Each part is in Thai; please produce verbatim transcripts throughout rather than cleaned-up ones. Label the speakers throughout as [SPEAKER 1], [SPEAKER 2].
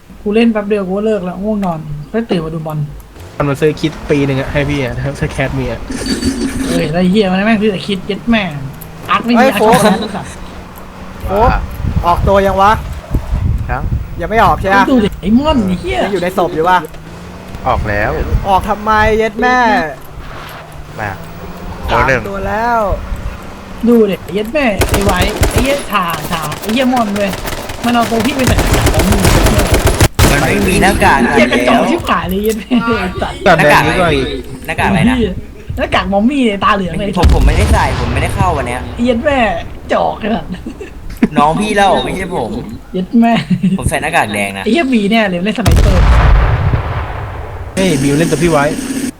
[SPEAKER 1] กูเล่นแป๊บเดียวกูก็เลิกแล้วง่วงนอนก็ตื่นมาดูบอล
[SPEAKER 2] มันมาซื้อคิดปีหนึ่งอะให้พี่อะถ้าแคทมีอะ
[SPEAKER 1] เอ้ยแล้วไอ้เฮียมันแม่งคือแต่คิดเย็ดแม่งอาร์ตไม่มีอาร์ตช็อกโกแลตสัตว์
[SPEAKER 3] โอ้ออกตัวยังวะ
[SPEAKER 4] ครับ
[SPEAKER 3] ยังไม่ออกใช่ไหม
[SPEAKER 1] ดูดิไอ้ม่อนไอ้เฮีย
[SPEAKER 3] ยังอยู่ในศพอยู่ปะ
[SPEAKER 4] ออกแล้ว
[SPEAKER 3] ออกทำไมเย็ดแม่
[SPEAKER 4] มาโด
[SPEAKER 3] สาน ม
[SPEAKER 4] หนึ่ง
[SPEAKER 3] ตัวแล้ว
[SPEAKER 1] ดูดิไอ้เย็ดแม่ไอ้ไว้ไอ้เฮียชาชาไอ้เฮียม่อนเลยมันเอาตัวพี่ไปใส่กระเป๋ามือ
[SPEAKER 5] มันไม่มีหน้ากาก
[SPEAKER 1] เฮียกระจอ
[SPEAKER 5] แล้
[SPEAKER 1] ก
[SPEAKER 5] ว
[SPEAKER 1] ชิบหายเลยเย็ดแม่สัตว์
[SPEAKER 2] ตัดแดงนี้ก็อีก
[SPEAKER 5] หน้ากากอะไรนะ
[SPEAKER 1] หน้ากากมอมมี่ตาเหลืองเลย
[SPEAKER 5] ผมผมไม่ได้ใส่ผมไม่ได้เข้าวันเนี้ย
[SPEAKER 1] เย็ดแม่จอกขนาด
[SPEAKER 5] น้องพี่เล่าไม่ใช่ผม
[SPEAKER 1] เย็ดแม่
[SPEAKER 5] ผมใส่หน้ากากแดงนะ
[SPEAKER 1] ไอ้เฮียบีเนี่ยเลยเล่นสไนเปอร์
[SPEAKER 2] เฮ้ยบิวเล่นตัวพี่ไว้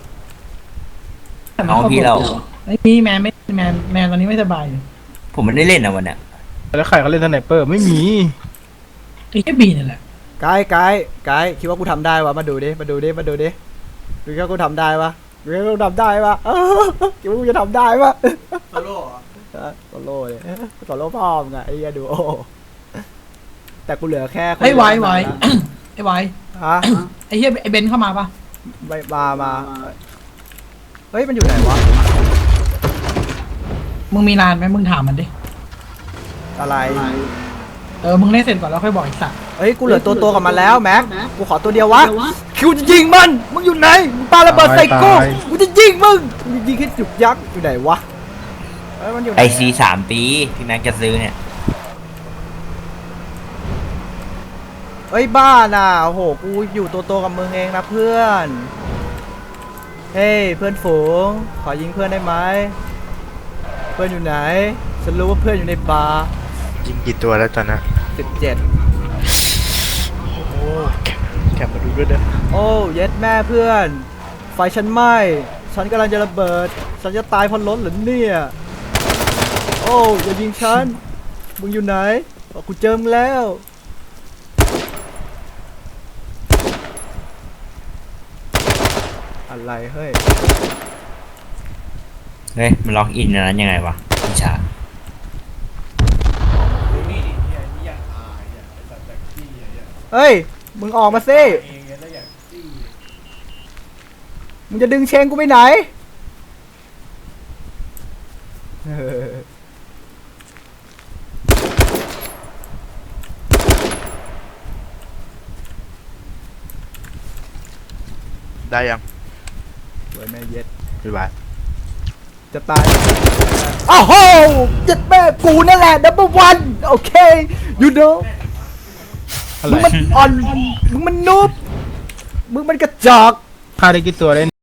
[SPEAKER 5] น้องพี่เล่า
[SPEAKER 1] ไอ้พี่แมนไม่แมนแมนตอนนี้ไม่สบายอยู่
[SPEAKER 5] ผมไม่ได้เล่นนะวันเนี้ย
[SPEAKER 2] แล้วใครเขาเล่นสไนเปอร์ไม่มี
[SPEAKER 1] ไอ้เฮียบีนี่แหละ
[SPEAKER 3] ไกด์ไกด์ไกด์คิดว่ากูทำได้วะมาดูดิมาดูดิมาดูดิดูว่ากูทำได้ปะดูว่ากูทำได้ปะเออคิดว่ากูจะทำได้ปะโซโล่โซโล่เลยโซโล่พ่อมึงอะไอ้เหี้ยดูโอแต่กูเหลือแค่คน
[SPEAKER 1] ไอ้ไว้ไว้ ไอ้ไว้
[SPEAKER 3] ฮะ
[SPEAKER 1] ไอ้เฮียไอ้เบนเข้ามาปะ
[SPEAKER 3] ไม่มามาเฮ้ยมันอยู่ไหนวะ
[SPEAKER 1] มึงมีนานไหมมึงถามมันดิ
[SPEAKER 3] อะไร
[SPEAKER 1] เออมึงเล่นเสร็จก่อนแล้วค่อยบอกอีกสัตว์
[SPEAKER 3] เฮ้ยกูเหลือตัวตัวกับมันแล้วแม็กกูขอตัวเดียววะคิวจะยิงมันมึงอยู่ไหนมึงปาระเบิดใส่กูกูจะยิงมึงกูจะยิงแค่จุกยักษ์อยู่ไหนวะเฮ้ยมันอยู่ไหน
[SPEAKER 5] ไอซีสามปีพี่แม็กจะซื้อเนี่ย
[SPEAKER 3] เฮ้ยบ้าน่ะโอ้โหกูอยู่ตัวตัวกับมึงเองนะเพื่อนเฮ้ยเพื่อนฝูงขอยิงเพื่อนได้ไหมเพื่อนอยู่ไหนฉันรู้ว่าเพื่อนอยู่ในบาร์
[SPEAKER 4] ยิงกี่ตัวแล้วตอนนั้น
[SPEAKER 3] สิบเจ็ด
[SPEAKER 4] โอ้แกมาดูด้วยเด้อ
[SPEAKER 3] โอ้เย็ดแม่เพื่อนไฟฉันไหม้ฉันกำลังจะระเบิดฉันจะตายเพราะรถเหรอเนี่ยโอ้อย่ายิงฉันมึงอยู่ไหนบอกกูเจอมึงแล้วอะไรเฮ้ย
[SPEAKER 5] เฮ้ยมันล็อกอินอันนั้นยังไงวะพี่ชา
[SPEAKER 3] เฮ้ยมึงออกมาสิมึงจะดึงเชงกูไปไหนเออ
[SPEAKER 4] ได้ยัง
[SPEAKER 3] สวยแม่เย็ด
[SPEAKER 4] บ๊ายบาย
[SPEAKER 3] จะตายอ้าวโหเย็ดแม่กูนั่นแหละ number one โอเค you know
[SPEAKER 2] อะไร
[SPEAKER 3] มึงมันอ่อน มึงมันนูบมึงมันกระจอก
[SPEAKER 2] ฆ่าได้กี่ตัวได้